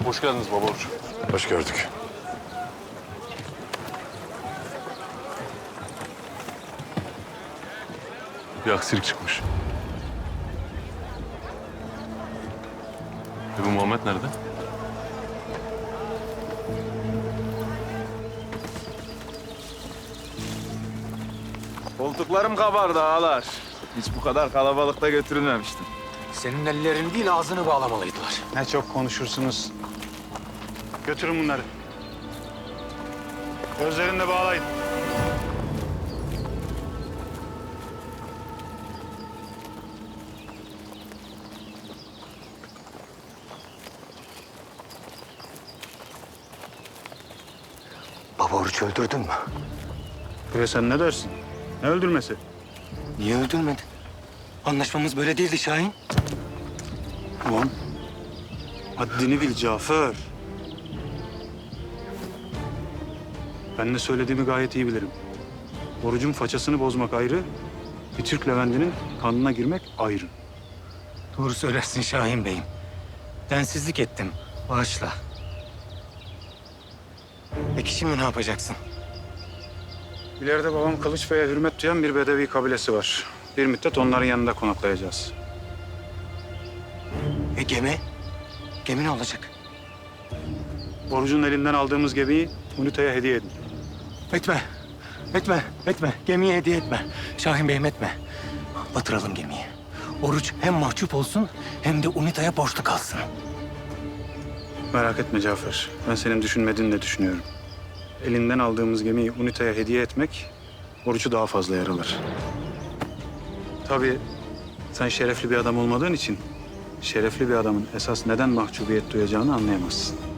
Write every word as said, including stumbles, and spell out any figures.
Hoş geldiniz Baba Oruç. Hoş gördük. Bir aksilik çıkmış. E bu Muhammed nerede? Koltuklarım kabardı ağalar. Hiç bu kadar kalabalıkta götürülmemiştim. Senin ellerini değil ağzını bağlamalıydılar. Ne çok konuşursunuz. Götürün bunları. Gözlerini de bağlayın. Baba Oruç öldürdün mü? Ve sen ne dersin? Ne öldürmesi? Niye öldürmedin? Anlaşmamız böyle değildi Şahin. Ulan haddini bil Cafer. Ben ne söylediğimi gayet iyi bilirim. Orucun façasını bozmak ayrı, bir Türk Leventinin kanına girmek ayrı. Doğru söylersin Şahin Bey'im. Densizlik ettim. Bağışla. Peki şimdi ne yapacaksın? İleride babam Kılıç Bey'e hürmet duyan bir Bedevi kabilesi var. Bir müddet onların yanında konaklayacağız. E gemi? Gemi ne olacak? Orucun elinden aldığımız gemiyi Unita'ya hediye edin. Etme. Etme. Etme. Gemiye hediye etme. Şahin Bey'im etme. Batıralım gemiyi. Oruç hem mahcup olsun hem de Unita'ya borçlu kalsın. Merak etme Cafer. Ben senin düşünmediğini de düşünüyorum. Elinden aldığımız gemiyi Unita'ya hediye etmek Oruç'u daha fazla yaralar. Tabii sen şerefli bir adam olmadığın için şerefli bir adamın esas neden mahcubiyet duyacağını anlayamazsın.